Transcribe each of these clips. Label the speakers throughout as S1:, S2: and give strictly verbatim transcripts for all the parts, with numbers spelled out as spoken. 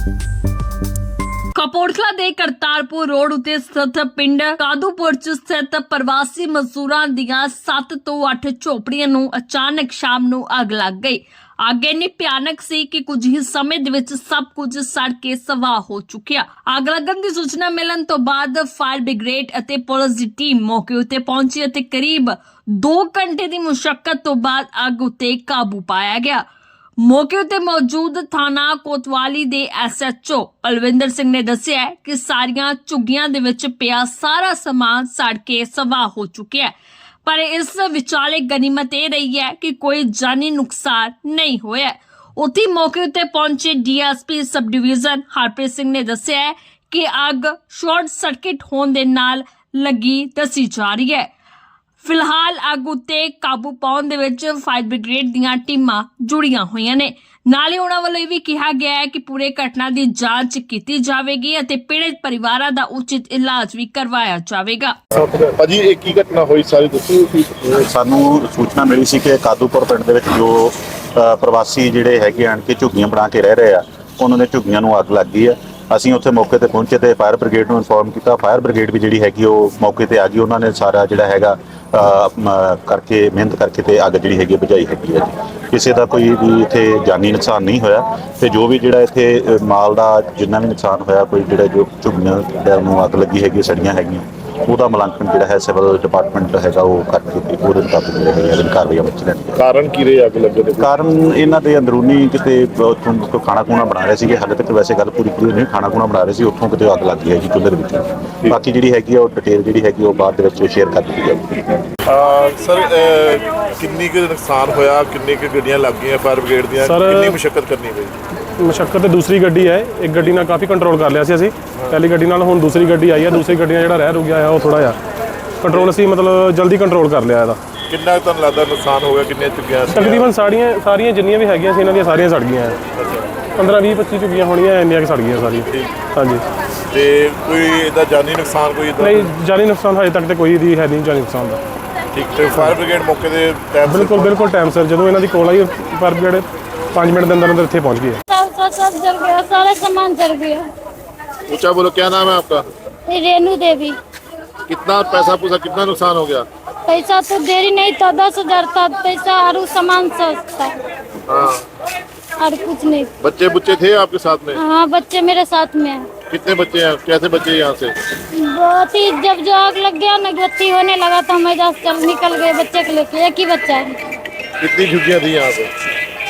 S1: ਕਪੂਰਥਲਾ ਦੇ ਕਰਤਾਰਪੁਰ ਰੋਡ ਉਤੇ ਸਥਿਤ ਪਿੰਡ ਕਾਦੂਪੁਰ ਚ ਸਥਿਤ ਪ੍ਰਵਾਸੀ ਮਜ਼ਦੂਰਾਂ ਦੀਆਂ ਸੱਤ ਤੋਂ ਅੱਠ ਝੋਪੜੀਆਂ ਨੂੰ ਅਚਾਨਕ ਸ਼ਾਮ ਨੂੰ ਅੱਗ ਲੱਗ ਗਈ। ਅੱਗ ਇੰਨੀ ਭਿਆਨਕ ਸੀ ਕਿ ਕੁਝ ਹੀ ਸਮੇਂ ਦੇ ਵਿੱਚ ਸਭ ਕੁਝ ਸੜ ਕੇ ਸਵਾਹ ਹੋ ਚੁੱਕਿਆ। ਅੱਗ ਲੱਗਣ ਦੀ ਸੂਚਨਾ ਮਿਲਣ ਤੋਂ ਬਾਅਦ ਫਾਇਰ ਬ੍ਰਿਗੇਡ ਅਤੇ ਪੁਲਿਸ ਦੀ ਟੀਮ ਮੌਕੇ ਉੱਤੇ ਪਹੁੰਚੀ ਅਤੇ ਕਰੀਬ ਦੋ ਘੰਟੇ ਦੀ ਮੁਸ਼ੱਕਤ ਤੋਂ ਬਾਅਦ ਅੱਗ ਉੱਤੇ ਕਾਬੂ ਪਾਇਆ ਗਿਆ। ਮੌਕੇ ਉੱਤੇ ਮੌਜੂਦ ਥਾਣਾ ਕੋਤਵਾਲੀ ਦੇ S H O Palwinder Singh ਨੇ ਦੱਸਿਆ ਕਿ ਸਾਰੀਆਂ ਝੁੱਗੀਆਂ ਦੇ ਵਿੱਚ ਪਿਆ ਸਾਰਾ ਸਮਾਨ ਸੜ ਕੇ ਸਵਾਹ ਹੋ ਚੁੱਕਿਆ ਹੈ, ਪਰ ਇਸ ਵਿਚਾਲੇ ਗਨੀਮਤ ਇਹ ਰਹੀ ਹੈ ਕਿ ਕੋਈ ਜਾਨੀ ਨੁਕਸਾਨ ਨਹੀਂ ਹੋਇਆ। ਉੱਥੇ ਮੌਕੇ ਉੱਤੇ ਪਹੁੰਚੇ D S P sub division Harpreet Singh ਨੇ ਦੱਸਿਆ ਕਿ ਅੱਗ ਸ਼ਾਰਟ ਸਰਕਟ ਹੋਣ ਦੇ ਨਾਲ ਲੱਗੀ ਦੱਸੀ ਜਾ ਰਹੀ ਹੈ। ਫਿਲਹਾਲ ਅੱਗ ਉੱਤੇ ਕਾਬੂ ਪਾਉਣ ਦੇ ਵਿੱਚ ਫਾਇਰ ਬ੍ਰਿਗੇਡ ਦੀਆਂ ਟੀਮਾਂ ਜੁੜੀਆਂ ਹੋਈਆਂ ਨੇ। ਨਾਲੇ ਉਹਨਾਂ ਵੱਲੋਂ ਇਹ ਵੀ ਕਿਹਾ ਗਿਆ ਹੈ ਕਿ ਪੂਰੇ ਘਟਨਾ ਦੀ ਜਾਂਚ ਕੀਤੀ ਜਾਵੇਗੀ ਅਤੇ ਪੀੜਤ ਪਰਿਵਾਰਾਂ ਦਾ ਉਚਿਤ ਇਲਾਜ ਵੀ ਕਰਵਾਇਆ ਜਾਵੇਗਾ।
S2: ਭਾਜੀ ਇਹ ਕੀ ਘਟਨਾ ਹੋਈ ਸਾਰੀ ਦੱਸੋ।
S3: ਸਾਨੂੰ ਸੂਚਨਾ ਮਿਲੀ ਸੀ ਕਿ ਕਾਦੂਪੁਰ ਪਿੰਡ ਦੇ ਵਿੱਚ ਜੋ ਪ੍ਰਵਾਸੀ ਜਿਹੜੇ ਹੈਗੇ ਆਣ ਕੇ ਝੁੱਗੀਆਂ ਬਣਾ ਕੇ ਰਹਿ ਰਹੇ ਆ, ਉਹਨਾਂ ਦੇ ਝੁੱਗੀਆਂ ਨੂੰ ਅੱਗ ਲੱਗ ਗਈ ਹੈ। ਅਸੀਂ ਉੱਥੇ ਮੌਕੇ ਤੇ ਪਹੁੰਚੇ ਤੇ ਫਾਇਰ ਬ੍ਰਿਗੇਡ ਨੂੰ ਇਨਫੋਰਮ ਕੀਤਾ। ਫਾਇਰ ਬ੍ਰਿਗੇਡ ਵੀ ਜਿਹੜੀ ਹੈਗੀ ਉਹ ਮੌਕੇ ਤੇ ਆ ਗਈ। ਉਹਨਾਂ ਨੇ ਸਾਰਾ ਜਿਹੜਾ ਹੈਗਾ ਕਰਕੇ ਮਿਹਨਤ ਕਰਕੇ ਤੇ ਅੱਗ ਜਿਹੜੀ ਹੈਗੀ ਬੁਝਾਈ ਹੈਗੀ ਹੈ। ਕਿਸੇ ਦਾ ਕੋਈ ਵੀ ਇੱਥੇ ਜਾਨੀ ਨੁਕਸਾਨ ਨਹੀਂ ਹੋਇਆ ਤੇ ਜੋ ਵੀ ਜਿਹੜਾ ਇੱਥੇ ਮਾਲ ਦਾ ਜਿੰਨਾ ਵੀ ਨੁਕਸਾਨ ਹੋਇਆ, ਕੋਈ ਜਿਹੜਾ ਜੋ ਝੁੱਗੀਆਂ ਨੂੰ ਅੱਗ ਲੱਗੀ ਹੈਗੀ ਸੜੀਆਂ ਹੈਗੀਆਂ, ਉਹਦਾ ਮੁਲਾਂਕਣ ਜਿਹੜਾ ਹੈ ਸਿਵਲ ਡਿਪਾਰਟਮੈਂਟ ਹੈਗਾ ਉਹ ਕਰਕੇ ਉਹਦੇ ਮੁਤਾਬਕ ਜਿਹੜੇ ਹੈਗੇ ਕਾਰਵਾਈਆਂ ਵਿੱਚ ਲੈਣਗੇ।
S2: ਕਾਰਨ ਕੀ ਰਹੇ ਅੱਗ ਲੱਗਣ ਦੇ?
S3: ਕਾਰਨ ਇਹਨਾਂ ਦੇ ਅੰਦਰੂਨੀ ਕਿਤੇ ਉੱਥੋਂ ਖਾਣਾ ਖੂਣਾ ਬਣਾ ਰਹੇ ਸੀਗੇ। ਹਾਲੇ ਤੱਕ ਵੈਸੇ ਗੱਲ ਪੂਰੀ ਪੂਰੀ ਨਹੀਂ, ਖਾਣਾ ਖੂਣਾ ਬਣਾ ਰਹੇ ਸੀ, ਉੱਥੋਂ ਕਿਤੇ ਅੱਗ ਲੱਗ ਗਈ ਹੈ ਜੀ ਚੁੱਲ੍ਹੇ ਦੇ ਵਿੱਚ। ਬਾਕੀ ਜਿਹੜੀ ਹੈਗੀ ਆ ਉਹ ਡਿਟੇਲ ਜਿਹੜੀ ਹੈਗੀ ਉਹ ਬਾਅਦ ਦੇ ਵਿੱਚ ਸ਼ੇਅਰ ਕਰ ਦਿੱਤੀ ਜਾਊਗੀ।
S2: ਸਰ ਕਿੰਨੀ ਕੁ ਨੁਕਸਾਨ ਹੋਇਆ, ਕਿੰਨੀ ਕੁ ਗੱਡੀਆਂ ਲੱਗ ਗਈਆਂ ਫਾਇਰ ਬ੍ਰਿਗੇਡ ਦੀਆਂ, ਕਿੰਨੀ ਮੁਸ਼ੱਕਤ ਕਰਨੀ ਪਈ?
S4: ਮੁਸ਼ੱਕਤ ਦੂਸਰੀ ਗੱਡੀ ਹੈ, ਇੱਕ ਗੱਡੀ ਨਾਲ ਕਾਫੀ ਕੰਟਰੋਲ ਕਰ ਲਿਆ ਸੀ ਅਸੀਂ ਪਹਿਲੀ ਗੱਡੀ ਨਾਲ। ਹੁਣ ਦੂਸਰੀ ਗੱਡੀ ਆਈ ਹੈ, ਦੂਸਰੀ ਗੱਡੀ ਨਾਲ ਜਿਹੜਾ ਰਹਿ ਰੁਕ ਗਿਆ ਹੈ ਉਹ ਥੋੜਾ ਜਿਹਾ ਕੰਟਰੋਲ ਅਸੀਂ ਮਤਲਬ ਜਲਦੀ ਕੰਟਰੋਲ ਕਰ ਲਿਆ ਇਹਦਾ।
S2: ਕਿੰਨਾ ਤੁਹਾਨੂੰ ਲੱਗਦਾ ਨੁਕਸਾਨ ਹੋ ਗਿਆ, ਕਿੰਨੀਆਂ ਝੁੱਗੀਆਂ?
S4: ਤਕਰੀਬਨ ਸਾਰੀਆਂ ਸਾਰੀਆਂ ਜਿੰਨੀਆਂ ਵੀ ਹੈਗੀਆਂ ਸੀ ਇਹਨਾਂ ਦੀਆਂ ਸਾਰੀਆਂ ਸੜ ਗਈਆਂ। ਪੰਦਰਾਂ ਵੀਹ ਪੱਚੀ ਝੁੱਗੀਆਂ ਹੋਣੀਆਂ, ਇੰਨੀਆਂ ਕਿ ਸੜ ਗਈਆਂ ਸਾਰੀਆਂ। ਹਾਂਜੀ।
S2: ਤੇ ਕੋਈ ਇਹਦਾ ਜਾਨੀ ਨੁਕਸਾਨ ਕੋਈ
S4: ਨਹੀਂ, ਜਾਨੀ ਨੁਕਸਾਨ ਹਜੇ ਤੱਕ ਤੇ ਕੋਈ ਦੀ ਹੈ ਨਹੀਂ ਜਾਨੀ ਨੁਕਸਾਨ ਦਾ।
S2: ਠੀਕ। ਤੇ ਫਾਇਰ ਬ੍ਰਿਗੇਡ ਮੌਕੇ ਦੇ ਟਾਈਮ
S4: ਬਿਲਕੁਲ ਬਿਲਕੁਲ ਟਾਈਮ ਸਿਰ ਜਦੋਂ ਇਹਨਾਂ ਦੀ ਕੋਲ ਆਈ ਫਾਇਰ ਬ੍ਰਿਗੇਡ पाँच मिनट के अंदर अंदर इतने पहुँच गए।
S5: सब सब जल गया, सारा सामान जल गया।
S2: ऊंचा बोलो, क्या नाम है आपका?
S5: रेनू देवी।
S2: कितना पैसा पूछा, कितना नुकसान हो गया?
S5: पैसा तो देरी नहीं था, दस हजार था पैसा और सामान सस्ता
S2: हाँ।
S5: और कुछ नहीं।
S2: बच्चे बुच्चे थे आपके साथ में?
S5: हाँ, बच्चे मेरे साथ में हैं।
S2: कितने बच्चे हैं, कैसे बच्चे यहाँ से?
S5: बहुत ही जब जो आग लग गया ना, बत्ती होने लगा तो हम इधर चल निकल गए बच्चे को लेके। एक ही बच्चा है।
S2: कितनी झुग्गियाँ थी यहाँ पे?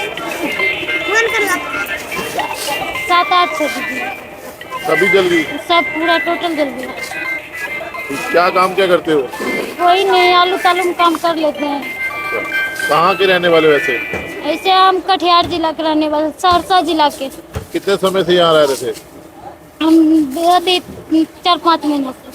S5: सात आठ सौ
S2: सभी जल गई?
S5: सब पूरा टोटल जल गया।
S2: क्या काम क्या करते हो?
S5: कोई नहीं, आलू तालू में काम कर लेते हैं।
S2: कहाँ के रहने वाले वैसे?
S5: ऐसे हम कटिहार जिला के रहने वाले, सहरसा जिला के।
S2: कितने समय से यहाँ रह रहे थे?
S5: हम चार पाँच महीने से।